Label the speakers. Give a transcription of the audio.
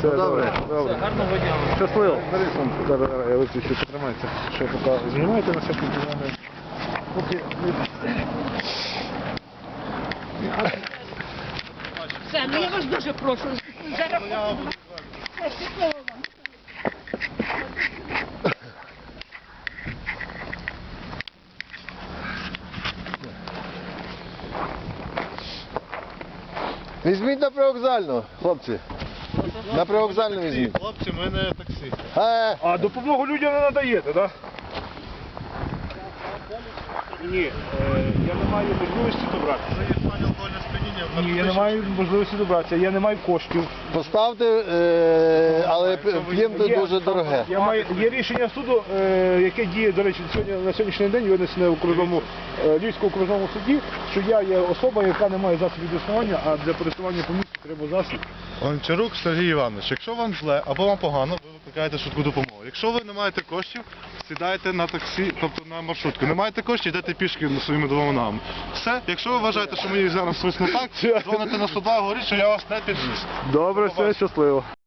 Speaker 1: Все, добре.
Speaker 2: Гарного дня.
Speaker 1: Щасливо. Зараз я виключу, потримайте. Що поки знімаєте на всякий дзвони. Поки...
Speaker 3: Все, ну я вас дуже прошу. Зараз все, щасливо вам.
Speaker 1: Візьміть на привокзальну, хлопці. На привокзальну візьміть.
Speaker 4: Хлопці, в мене таксі.
Speaker 1: А допомогу людям не надаєте, так? Ні, я не маю можливості добратися.
Speaker 4: Це є стан алкогольного сп'яніння.
Speaker 1: Ні, я не маю можливості добратися, я не маю коштів.
Speaker 5: Поставте, але п'ємте дуже дороге.
Speaker 1: Є рішення суду, яке діє, до речі, на сьогоднішній день винесене в окружному, Львівському окружному суді, що я є особа, яка не має засобів існування, а для пересування по місту треба засіб.
Speaker 4: Гончарук Сергій Іванович, якщо вам зле або вам погано, ви викликаєте швидку допомогу. Якщо ви не маєте коштів, сідайте на таксі, тобто на маршрутку. Не маєте коштів, йдете пішки своїми двома ногами. Все, якщо ви вважаєте, що мені зараз щось не так, дзвоните на 102, говоріть, що я вас не підвіз.
Speaker 1: Добре, все, щасливо.